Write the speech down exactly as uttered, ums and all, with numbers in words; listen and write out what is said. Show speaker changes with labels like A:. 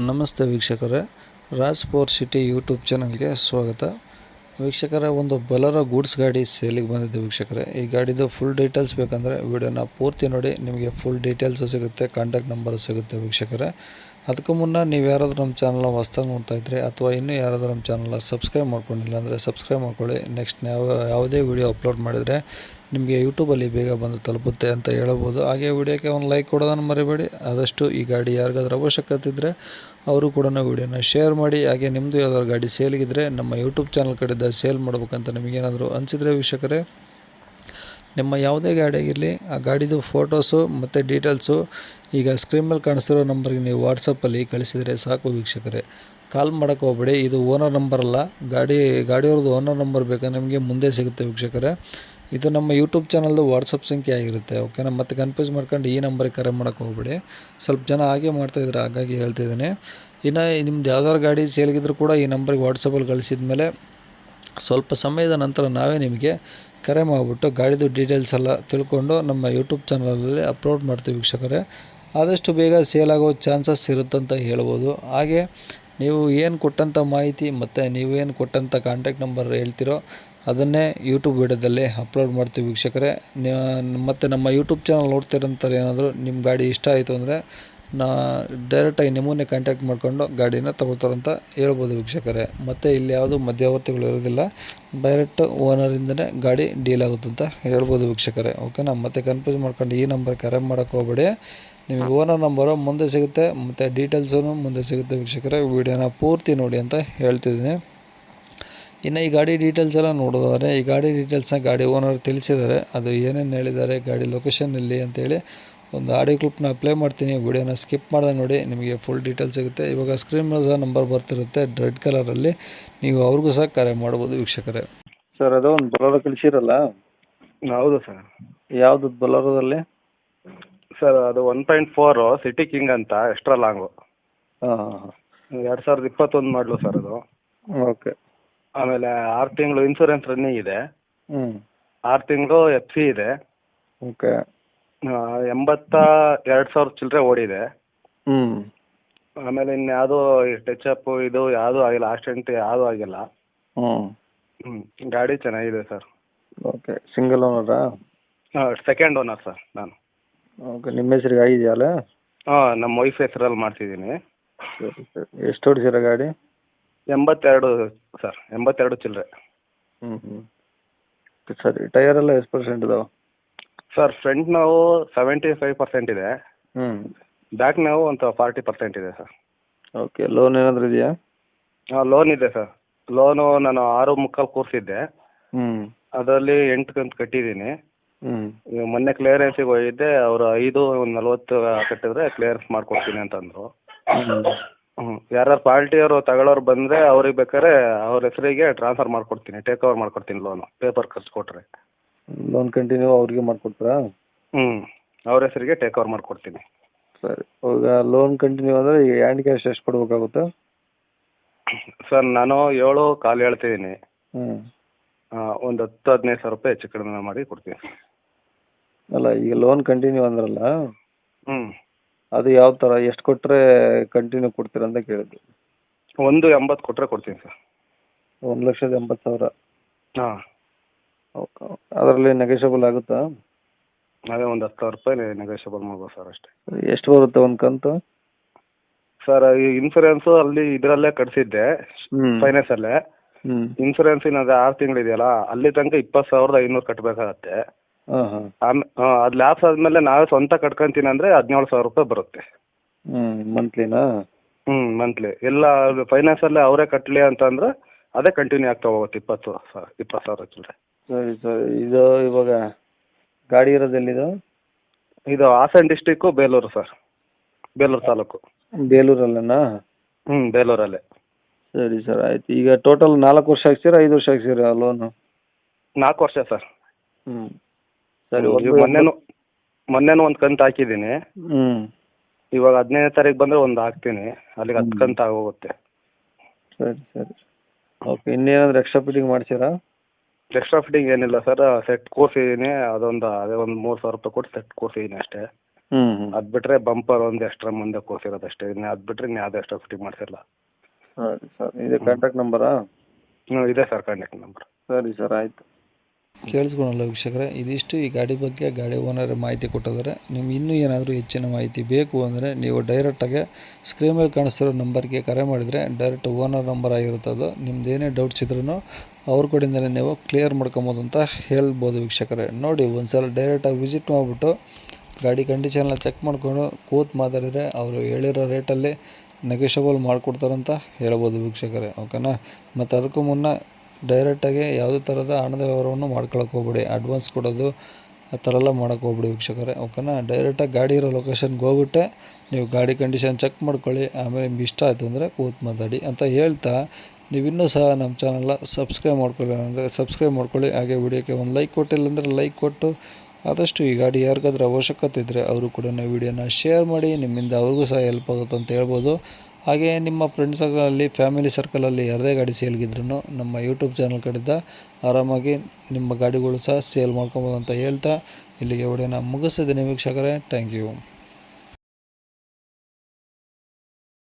A: ನಮಸ್ತೆ ವೀಕ್ಷಕರೇ, Raj four city YouTube ಚಾನಲ್ಗೆ ಸ್ವಾಗತ. ವೀಕ್ಷಕರೇ, ಒಂದು ಬೊಲೆರೋ ಗೂಡ್ಸ್ ಗಾಡಿ ಸೇಲಿಗೆ ಬಂದಿದೆ ವೀಕ್ಷಕರೇ. ಈ ಗಾಡಿದು ಫುಲ್ ಡೀಟೇಲ್ಸ್ ಬೇಕಂದರೆ ವಿಡಿಯೋನ ಪೂರ್ತಿ ನೋಡಿ, ನಿಮಗೆ ಫುಲ್ ಡೀಟೇಲ್ಸು ಸಿಗುತ್ತೆ, ಕಾಂಟ್ಯಾಕ್ಟ್ ನಂಬರು ಸಿಗುತ್ತೆ ವೀಕ್ಷಕರೇ. ಅದಕ್ಕೂ ಮುನ್ನ ನೀವು ಯಾರಾದರೂ ನಮ್ಮ ಚಾನಲ್ನ ಹೊಸ್ದಾಗಿ ನೋಡ್ತಾ ಇದ್ದರೆ ಅಥವಾ ಇನ್ನೂ ಯಾರಾದರೂ ನಮ್ಮ ಚಾನಲ್ನ ಸಬ್ಸ್ಕ್ರೈಬ್ ಮಾಡ್ಕೊಂಡಿಲ್ಲ ಅಂದರೆ ಸಬ್ಸ್ಕ್ರೈಬ್ ಮಾಡ್ಕೊಳ್ಳಿ. ನೆಕ್ಸ್ಟ್ ಯಾವ ಯಾವುದೇ ವಿಡಿಯೋ ಅಪ್ಲೋಡ್ ಮಾಡಿದರೆ ನಿಮಗೆ ಯೂಟ್ಯೂಬಲ್ಲಿ ಬೇಗ ಬಂದು ತಲುಪುತ್ತೆ ಅಂತ ಹೇಳ್ಬೋದು. ಹಾಗೆ ವಿಡಿಯೋಕ್ಕೆ ಒಂದು ಲೈಕ್ ಕೊಡೋದನ್ನು ಮರಿಬೇಡಿ. ಆದಷ್ಟು ಈ ಗಾಡಿ ಯಾರಿಗಾದ್ರೂ ಅವಶ್ಯಕತೆ ಇದ್ದರೆ ಅವರು ಕೂಡ ವಿಡಿಯೋನ ಶೇರ್ ಮಾಡಿ. ಹಾಗೆ ನಿಮ್ಮದು ಯಾವ್ದಾದ್ರು ಗಾಡಿ ಸೇಲಿಗಿದ್ರೆ ನಮ್ಮ ಯೂಟ್ಯೂಬ್ ಚಾನಲ್ ಕಡೆಯಿಂದ ಸೇಲ್ ಮಾಡ್ಬೇಕಂತ ನಿಮಗೇನಾದರೂ ಅನಿಸಿದರೆ ವೀಕ್ಷಕರೇ, ನಿಮ್ಮ ಯಾವುದೇ ಗಾಡಿ ಆಗಿರಲಿ ಆ ಗಾಡಿದು ಫೋಟೋಸು ಮತ್ತು ಡೀಟೇಲ್ಸು ಈಗ ಸ್ಕ್ರೀನ್ ಮೇಲೆ ಕಾಣಿಸ್ತಿರೋ ನಂಬರ್ಗೆ ನೀವು ವಾಟ್ಸಪ್ಪಲ್ಲಿ ಕಳಿಸಿದರೆ ಸಾಕು ವೀಕ್ಷಕರೇ. ಕಾಲ್ ಮಾಡೋಕ್ಕೆ ಹೋಗ್ಬೇಡಿ, ಇದು ಓನರ್ ನಂಬರ್ ಅಲ್ಲ, ಗಾಡಿ ಗಾಡಿಯವ್ರದ್ದು ಓನರ್ ನಂಬರ್ ಬೇಕಾದ್ರೆ ನಿಮಗೆ ಮುಂದೆ ಸಿಗುತ್ತೆ ವೀಕ್ಷಕರೇ. ಇದು ನಮ್ಮ ಯೂಟ್ಯೂಬ್ ಚಾನಲ್ದು ವಾಟ್ಸಪ್ ಸಂಖ್ಯೆ ಆಗಿರುತ್ತೆ, ಓಕೆನಾ. ಮತ್ತೆ ಕನ್ಫ್ಯೂಸ್ ಮಾಡ್ಕೊಂಡು ಈ ನಂಬರಿಗೆ ಕರೆ ಮಾಡೋಕ್ಕೆ ಹೋಗ್ಬೇಡಿ. ಸ್ವಲ್ಪ ಜನ ಹಾಗೆ ಮಾಡ್ತಾಯಿದ್ರು, ಹಾಗಾಗಿ ಹೇಳ್ತಿದ್ದೀನಿ. ಇನ್ನು ನಿಮ್ದು ಯಾವ್ದಾದ್ರು ಗಾಡಿ ಸೇಲ್ಗಿದ್ರು ಕೂಡ ಈ ನಂಬರಿಗೆ ವಾಟ್ಸಪ್ಪಲ್ಲಿ ಕಳಿಸಿದ ಮೇಲೆ ಸ್ವಲ್ಪ ಸಮಯದ ನಂತರ ನಾವೇ ನಿಮಗೆ ಕರೆ ಮಾಡಿಬಿಟ್ಟು ಗಾಡಿದು ಡೀಟೇಲ್ಸ್ ಎಲ್ಲ ತಿಳ್ಕೊಂಡು ನಮ್ಮ ಯೂಟ್ಯೂಬ್ ಚಾನಲಲ್ಲಿ ಅಪ್ಲೋಡ್ ಮಾಡ್ತೀವಿ ವೀಕ್ಷಕರೇ. ಆದಷ್ಟು ಬೇಗ ಸೇಲ್ ಆಗೋ ಚಾನ್ಸಸ್ ಇರುತ್ತಂತ ಹೇಳ್ಬೋದು. ಹಾಗೆ ನೀವು ಏನು ಕೊಟ್ಟಂಥ ಮಾಹಿತಿ ಮತ್ತು ನೀವೇನು ಕೊಟ್ಟಂಥ ಕಾಂಟ್ಯಾಕ್ಟ್ ನಂಬರ್ ಹೇಳ್ತಿರೋ ಅದನ್ನೇ ಯೂಟ್ಯೂಬ್ ವಿಡಿಯೋದಲ್ಲಿ ಅಪ್ಲೋಡ್ ಮಾಡ್ತೀವಿ ವೀಕ್ಷಕರೇ. ಮತ್ತು ನಮ್ಮ ಯೂಟ್ಯೂಬ್ ಚಾನಲ್ ನೋಡ್ತಿರೋಂಥವ್ರು ಏನಾದರೂ ನಿಮ್ಮ ಗಾಡಿ ಇಷ್ಟ ಆಯಿತು ಅಂದರೆ ನಾ ಡೈರೆಕ್ಟಾಗಿ ನಿಮ್ಮನ್ನೇ ಕಾಂಟ್ಯಾಕ್ಟ್ ಮಾಡಿಕೊಂಡು ಗಾಡಿನ ತೊಗೊಳ್ತಾರಂತ ಹೇಳ್ಬೋದು ವೀಕ್ಷಕರೇ. ಮತ್ತು ಇಲ್ಲಿ ಯಾವುದೂ ಮಧ್ಯವರ್ತಿಗಳು ಇರೋದಿಲ್ಲ, ಡೈರೆಕ್ಟ್ ಓನರಿಂದನೇ ಗಾಡಿ ಡೀಲ್ ಆಗುತ್ತೆ ಅಂತ ಹೇಳ್ಬೋದು ವೀಕ್ಷಕರೇ, ಓಕೆನಾ. ಮತ್ತೆ ಕನ್ಫ್ಯೂಸ್ ಮಾಡ್ಕೊಂಡು ಈ ನಂಬರ್ ಕರೆ ಮಾಡೋಕ್ಕೆ ಹೋಗ್ಬೇಡಿ. ನಿಮಗೆ ಓನರ್ ನಂಬರು ಮುಂದೆ ಸಿಗುತ್ತೆ ಮತ್ತು ಡೀಟೇಲ್ಸೂ ಮುಂದೆ ಸಿಗುತ್ತೆ ವೀಕ್ಷಕರೇ. ವೀಡಿಯೋನ ಪೂರ್ತಿ ನೋಡಿ ಅಂತ ಹೇಳ್ತಿದ್ದೀನಿ. ಇನ್ನು ಈ ಗಾಡಿ ಡೀಟೇಲ್ಸ್ ಎಲ್ಲ ನೋಡೋದಾದರೆ, ಈ ಗಾಡಿ ಡೀಟೇಲ್ಸ್ನ ಗಾಡಿ ಓನರ್ ತಿಳಿಸಿದ್ದಾರೆ. ಅದು ಏನೇನು ಹೇಳಿದ್ದಾರೆ, ಗಾಡಿ ಲೊಕೇಶನ್ ಎಲ್ಲಿ ಅಂತೇಳಿ ಒಂದು ಆಡಿಯೋ ಕ್ಲಿಪ್ನ ಪ್ಲೇ ಮಾಡ್ತೀನಿ. ವಿಡಿಯೋನ ಸ್ಕಿಪ್ ಮಾಡ್ದಂಗೆ ನೋಡಿ, ನಿಮಗೆ ಫುಲ್ ಡೀಟೇಲ್ಸ್ ಸಿಗುತ್ತೆ. ಇವಾಗ ಸ್ಕ್ರೀನ್ ಮೇಲೆ ಸಹ ನಂಬರ್ ಬರ್ತಿರುತ್ತೆ ರೆಡ್ ಕಲರಲ್ಲಿ, ನೀವು ಅವ್ರಿಗೂ ಸಹ ಕರೆ ಮಾಡ್ಬೋದು ವೀಕ್ಷಕರೇ. ಸರ್, ಅದು ಒಂದು ಬೊಲೆರೋ ಕಳಿಸಿರಲ್ಲ,
B: ಹೌದು ಸರ್.
A: ಯಾವುದು ಬೊಲೆರೋದಲ್ಲಿ?
B: ಸರ್, ಅದು one point four city king ಅಂತ ಎಕ್ಸ್ಟ್ರಾ ಲಾಂಗು.
A: ಹಾಂ ಹಾಂ ಹಾಂ
B: ಎರಡು ಸಾವಿರದ ಇಪ್ಪತ್ತೊಂದು ಮಾಡಲು ಸರ್ ಅದು.
A: ಓಕೆ.
B: ಆಮೇಲೆ ಆರು ತಿಂಗಳು ಇನ್ಸೂರೆನ್ಸ್ ರನ್ನಿಂಗ್ ಇದೆ,
A: ಹ್ಞೂ
B: ಆರು ತಿಂಗಳು ಎಫ್ ಸಿ ಇದೆ.
A: ಓಕೆ.
B: ಆ, ಎಂಬತ್ತ ಎರಡು ಸಾವಿರ ಚಿಲ್ಲರೆ ಓಡಿದೆ.
A: ಹ್ಞೂ
B: ಆಮೇಲೆ ಇನ್ಯಾವುದೂ ಟಚ್ ಅಪ್ ಇದು ಯಾವುದೂ ಆಗಿಲ್ಲ, ಆಕ್ಸಿಡೆಂಟ್ ಯಾವುದೂ ಆಗಿಲ್ಲ.
A: ಹ್ಞೂ
B: ಹ್ಞೂ ಗಾಡಿ ಚೆನ್ನಾಗಿದೆ ಸರ್.
A: ಓಕೆ. ಸಿಂಗಲ್ ಓನರಾ?
B: ಹಾಂ, ಸೆಕೆಂಡ್ ಓನರ್ ಸರ್ ನಾನು.
A: ಓಕೆ. ನಿಮ್ಮ ಹೆಸ್ರಿಗೆ ಆಗಿದೆಯಲ್ಲ?
B: ಹಾಂ, ನಮ್ಮ ವೈಫ್ ಹೆಸರಲ್ಲಿ ಮಾಡ್ತಿದ್ದೀನಿ.
A: ಸರಿ ಸರಿ. ಎಷ್ಟು ಹೊಡಿಸಿರ ಗಾಡಿ?
B: ಎಂಬತ್ತೆರಡು ಸರ್, ಎಂಬತ್ತೆರಡು ಚಿಲ್ಲರೆ.
A: ಹ್ಞೂ ಹ್ಞೂ ಸರಿ. ಟೈರ್ ಎಲ್ಲ ಎಷ್ಟು ಪರ್ಸೆಂಟ್ ಇದಾವೆ?
B: ಸರ್, ಫ್ರಂಟ್ ನಾವು ಸೆವೆಂಟಿ ಫೈವ್ ಪರ್ಸೆಂಟ್ ಇದೆ,
A: ಹ್ಞೂ
B: ಬ್ಯಾಕ್ ನಾವು ಒಂದು ಫಾರ್ಟಿ ಪರ್ಸೆಂಟ್ ಇದೆ ಸರ್.
A: ಓಕೆ. ಲೋನ್ ಏನಾದರೂ ಇದೆಯಾ?
B: ಹಾಂ, ಲೋನ್ ಇದೆ ಸರ್. ಲೋನು ನಾನು ಆರು ಮುಕ್ಕಾಲು ಕೂರಿಸಿದ್ದೆ,
A: ಹ್ಞೂ
B: ಅದರಲ್ಲಿ ಎಂಟು ಕಂತು ಕಟ್ಟಿದ್ದೀನಿ.
A: ಹ್ಞೂ
B: ಈಗ ಮೊನ್ನೆ ಕ್ಲಿಯರೆನ್ಸಿಗೆ ಹೋಗಿದ್ದೆ, ಅವರು ಐದು ಒಂದು ನಲ್ವತ್ತು ಕಟ್ಟಿದ್ರೆ ಕ್ಲಿಯರೆನ್ಸ್ ಮಾಡಿಕೊಡ್ತೀನಿ ಅಂತಂದರು.
A: ಹ್ಞೂ
B: ಹ್ಞೂ ಯಾರು ಪಾರ್ಟಿಯವರು ತಗೊಳ್ಳೋರು ಬಂದರೆ ಅವ್ರಿಗೆ ಬೇಕಾದ್ರೆ ಅವ್ರ ಹೆಸರಿಗೆ ಟ್ರಾನ್ಸ್ಫರ್ ಮಾಡಿಕೊಡ್ತೀನಿ, ಟೇಕ್ ಓವರ್ ಮಾಡಿಕೊಡ್ತೀನಿ ಲೋನು, ಪೇಪರ್ ಖರ್ಚು ಕೊಟ್ಟರೆ.
A: ಲೋನ್ ಕಂಟಿನ್ಯೂ ಅವ್ರಿಗೆ ಮಾಡಿಕೊಡ್ತೀರಾ?
B: ಹ್ಞೂ ಅವ್ರ ಹೆಸರಿಗೆ ಟೇಕ್ ಓವರ್ ಮಾಡಿಕೊಡ್ತೀನಿ.
A: ಸರಿ. ಈಗ ಲೋನ್ ಕಂಟಿನ್ಯೂ ಅಂದರೆ ಈಗ ಹ್ಯಾಂಡ್ ಕ್ಯಾಶ್ ಎಷ್ಟು ಕೊಡಬೇಕಾಗುತ್ತೆ?
B: ಸರ್, ನಾನು ಏಳು ಕಾಲು ಹೇಳ್ತಿದ್ದೀನಿ,
A: ಹ್ಞೂ
B: ಒಂದು ಹತ್ತು ಹದಿನೈದು ಸಾವಿರ ರೂಪಾಯಿ ಹೆಚ್ಚು ಕಡಿಮೆ ಮಾಡಿ ಕೊಡ್ತೀನಿ.
A: ಅಲ್ಲ, ಈಗ ಲೋನ್ ಕಂಟಿನ್ಯೂ ಅಂದ್ರಲ್ಲ,
B: ಹ್ಞೂ
A: ಅದು ಯಾವ ಥರ, ಎಷ್ಟು ಕೊಟ್ಟರೆ ಕಂಟಿನ್ಯೂ ಕೊಡ್ತೀರಾ ಅಂತ ಕೇಳಿದ್ದು.
B: ಒಂದು ಎಂಬತ್ತು ಕೊಟ್ಟರೆ ಕೊಡ್ತೀನಿ ಸರ್.
A: ಒಂದು ಲಕ್ಷದ ಎಂಬತ್ತು ಸಾವಿರ?
B: ಹಾಂ.
A: Okay okay. ಅದರಲ್ಲಿ ನೆಗೋಷಿಯಬಲ್ ಆಗುತ್ತಾ?
B: ಅದೇ ಒಂದು ಹತ್ತು ಸಾವಿರ ರೂಪಾಯಿ ನೆಗೋಷಿಯಬಲ್ ಮಾಡ್ಬೋದು ಸರ್ ಅಷ್ಟೇ.
A: ಎಷ್ಟು ಬರುತ್ತೆ ಒಂದು ಕಂತು?
B: ಸರ್, ಈ ಇನ್ಸೂರೆನ್ಸು ಅಲ್ಲಿ ಇದರಲ್ಲೇ ಕಟ್ಸಿದ್ದೆ,
A: ಹ್ಞೂ
B: ಫೈನಾನ್ಸಲ್ಲೇ.
A: ಹ್ಞೂ
B: ಇನ್ಸೂರೆನ್ಸ್ ಇನ್ನೊಂದು ಆರು ತಿಂಗಳಿದೆಯಲ್ಲ, ಅಲ್ಲಿ ತನಕ ಇಪ್ಪತ್ತು ಸಾವಿರದ ಐನೂರು ಕಟ್ಟಬೇಕಾಗತ್ತೆ.
A: ಹಾಂ ಹಾಂ
B: ಆಮೇಲೆ ಅದು ಲ್ಯಾಪ್ಸ್ ಆದಮೇಲೆ ನಾವೇ ಸ್ವಂತ ಕಟ್ಕೊಂತೀನಿ ಅಂದರೆ ಹದಿನೇಳು ಸಾವಿರ ರೂಪಾಯಿ ಬರುತ್ತೆ.
A: ಹ್ಞೂ ಮಂತ್ಲಿನಾ?
B: ಹ್ಞೂ ಮಂತ್ಲಿ. ಎಲ್ಲ ಫೈನಾನ್ಸಲ್ಲೇ ಅವರೇ ಕಟ್ಟಲಿ ಅಂತಂದ್ರೆ ಅದೇ ಕಂಟಿನ್ಯೂ ಆಗ್ತಾ ಹೋಗುತ್ತೆ, ಇಪ್ಪತ್ತು ಸಾವಿರ ಇಪ್ಪತ್ತು ಸಾವಿರ ಚಿಲ್ಲರೆ.
A: ಸರಿ ಸರಿ. ಇದು ಇವಾಗ ಗಾಡಿ ಇರೋದು ಎಲ್ಲಿದು?
B: ಇದು ಹಾಸನ ಡಿಸ್ಟಿಕ್ಕು, ಬೇಲೂರು ಸರ್, ಬೇಲೂರು ತಾಲೂಕು.
A: ಬೇಲೂರಲ್ಲೇನಾ?
B: ಹ್ಞೂ ಬೇಲೂರಲ್ಲೇ.
A: ಸರಿ ಸರ್, ಆಯ್ತು. ಈಗ ಟೋಟಲ್ ನಾಲ್ಕು ವರ್ಷ ಹಾಕ್ಸಿರಾ ಐದು ವರ್ಷ ಹಾಕ್ಸಿರಾ ಲೋನು?
B: ನಾಲ್ಕು ವರ್ಷ ಸರ್.
A: ಹ್ಞೂ ಸರಿ.
B: ಈಗ ಮೊನ್ನೆನೂ ಮೊನ್ನೆನೂ ಒಂದು ಕಂತು ಹಾಕಿದ್ದೀನಿ.
A: ಹ್ಞೂ
B: ಇವಾಗ ಹದಿನೈದನೇ ತಾರೀಕು ಬಂದರೆ ಒಂದು ಹಾಕ್ತೀನಿ, ಅಲ್ಲಿಗೆ ಹತ್ತು ಕಂತು ಆಗೋಗುತ್ತೆ.
A: ಸರಿ ಸರಿ. ಓಕೆ. ಇನ್ನೇನಾದರೂ ಎಕ್ಸ್ಟ್ರಾ ಫಿಟ್ಟಿಂಗ್ ಮಾಡ್ತೀರಾ?
B: ಎಕ್ಸ್ಟ್ರಾ ಫಿಟ್ಟಿಂಗ್ ಏನಿಲ್ಲ ಸರ್, ಸೆಟ್ ಕೂರಿಸಿದ್ದೀನಿ, ಅದೊಂದು ಅದೇ ಒಂದು ಮೂರು ಸಾವಿರ ರೂಪಾಯಿ ಕೊಟ್ಟು ಸೆಟ್ ಕೂರಿಸಿದ್ದೀನಿ ಅಷ್ಟೇ.
C: ಹ್ಞೂ ಹ್ಞೂ
B: ಅದು ಬಿಟ್ಟರೆ ಬಂಪರ್ ಒಂದು ಎಕ್ಸ್ಟ್ರಾ ಮುಂದೆ ಕೂರ್ಸಿರೋದು ಅಷ್ಟೇ. ಇನ್ನು ಅದು ಬಿಟ್ಟರೆ ಇನ್ನು ಯಾವುದೇ ಎಕ್ಸ್ಟ್ರಾ ಫಿಟ್ಟಿಂಗ್ ಮಾಡಿಸಿಲ್ಲ.
C: ಸರಿ ಸರ್, ಇದೆ ಕಾಂಟ್ಯಾಕ್ಟ್ ನಂಬರಾ?
B: ಹ್ಞೂ ಇದೆ ಸರ್ ಕಾಂಟ್ಯಾಕ್ಟ್ ನಂಬರ್.
C: ಸರಿ ಸರ್, ಆಯಿತು.
A: ಕೇಳಿಸ್ಕೊಳಲ್ಲ ವೀಕ್ಷಕರೇ, ಇದಿಷ್ಟು ಈ ಗಾಡಿ ಬಗ್ಗೆ ಗಾಡಿ ಓನರ್ ಮಾಹಿತಿ ಕೊಟ್ಟಿದ್ದಾರೆ. ನಿಮ್ಗೆ ಇನ್ನೂ ಏನಾದರೂ ಹೆಚ್ಚಿನ ಮಾಹಿತಿ ಬೇಕು ಅಂದರೆ ನೀವು ಡೈರೆಕ್ಟಾಗಿ ಸ್ಕ್ರೀನ್ ಮೇಲೆ ಕಾಣಿಸ್ತಿರೋ ನಂಬರ್ಗೆ ಕರೆ ಮಾಡಿದರೆ ಡೈರೆಕ್ಟ್ ಓನರ್ ನಂಬರ್ ಆಗಿರುತ್ತೆ ಅದು. ನಿಮ್ದು ಏನೇ ಡೌಟ್ಸ್ ಇದ್ರೂ ಅವ್ರ ಕಡೆಯಿಂದಲೇ ನೀವು ಕ್ಲಿಯರ್ ಮಾಡ್ಕೊಬೋದು ಅಂತ ಹೇಳ್ಬೋದು ವೀಕ್ಷಕರೇ. ನೋಡಿ ಒಂದು ಸಲ ಡೈರೆಕ್ಟಾಗಿ ವಿಸಿಟ್ ಮಾಡಿಬಿಟ್ಟು ಗಾಡಿ ಕಂಡೀಷನ್ನ ಚೆಕ್ ಮಾಡಿಕೊಂಡು ಕೂತು ಮಾತಾಡಿದರೆ ಅವರು ಹೇಳಿರೋ ರೇಟಲ್ಲಿ ನೆಗೋಷಿಯಬಲ್ ಮಾಡಿಕೊಡ್ತಾರಂತ ಹೇಳ್ಬೋದು ವೀಕ್ಷಕರೇ, ಓಕೆನಾ. ಮತ್ತು ಅದಕ್ಕೂ ಮುನ್ನ ಡೈರೆಕ್ಟಾಗಿ ಯಾವುದೇ ಥರದ ಹಣದ ವ್ಯವಹಾರವನ್ನು ಮಾಡ್ಕೊಳಕ್ಕೆ ಹೋಗ್ಬೇಡಿ. ಅಡ್ವಾನ್ಸ್ ಕೊಡೋದು ಆ ಥರ ಎಲ್ಲ ಮಾಡೋಕ್ಕೆ ಹೋಗ್ಬೇಡಿ ವೀಕ್ಷಕರೇ, ಓಕೆನಾ. ಡೈರೆಕ್ಟಾಗಿ ಗಾಡಿ ಇರೋ ಲೊಕೇಶನ್ಗೆ ಹೋಗ್ಬಿಟ್ಟೆ ನೀವು ಗಾಡಿ ಕಂಡೀಷನ್ ಚೆಕ್ ಮಾಡ್ಕೊಳ್ಳಿ. ಆಮೇಲೆ ನಿಮ್ಗೆ ಇಷ್ಟ ಆಯಿತು ಅಂದರೆ ಕೂತು ಮಾತಾಡಿ ಅಂತ ಹೇಳ್ತಾ, ನೀವಿನ್ನೂ ಸಹ ನಮ್ಮ ಚಾನಲ್ನ ಸಬ್ಸ್ಕ್ರೈಬ್ ಮಾಡ್ಕೊಳ್ಳಿ ಅಂದರೆ ಸಬ್ಸ್ಕ್ರೈಬ್ ಮಾಡ್ಕೊಳ್ಳಿ. ಹಾಗೆ ವಿಡಿಯೋಕ್ಕೆ ಒಂದು ಲೈಕ್ ಕೊಟ್ಟಿಲ್ಲ ಅಂದರೆ ಲೈಕ್ ಕೊಟ್ಟು ಆದಷ್ಟು ಈ ಗಾಡಿ ಯಾರಿಗಾದ್ರೂ ಅವಶ್ಯಕತೆ ಇದ್ದರೆ ಅವರು ಕೂಡ ವಿಡಿಯೋನ ಶೇರ್ ಮಾಡಿ. ನಿಮ್ಮಿಂದ ಅವ್ರಿಗೂ ಸಹ ಹೆಲ್ಪ್ ಆಗುತ್ತೆ ಅಂತ ಹೇಳ್ಬೋದು. ಹಾಗೆ ನಿಮ್ಮ ಫ್ರೆಂಡ್ಸ್ ಸರ್ಕಲಲ್ಲಿ, ಫ್ಯಾಮಿಲಿ ಸರ್ಕಲಲ್ಲಿ ಯಾರದೇ ಗಾಡಿ ಸೇಲ್ಗಿದ್ರೂ ನಮ್ಮ ಯೂಟ್ಯೂಬ್ ಚಾನಲ್ ಕಡೆಯಿಂದ ಆರಾಮಾಗಿ ನಿಮ್ಮ ಗಾಡಿಗಳು ಸಹ ಸೇಲ್ ಮಾಡ್ಕೊಬೋದು ಅಂತ ಹೇಳ್ತಾ ಇಲ್ಲಿಗೆ ವಿಡಿಯೋನ ಮುಗಿಸಿದ್ದೀನಿ ವೀಕ್ಷಕರೇ. Thank you.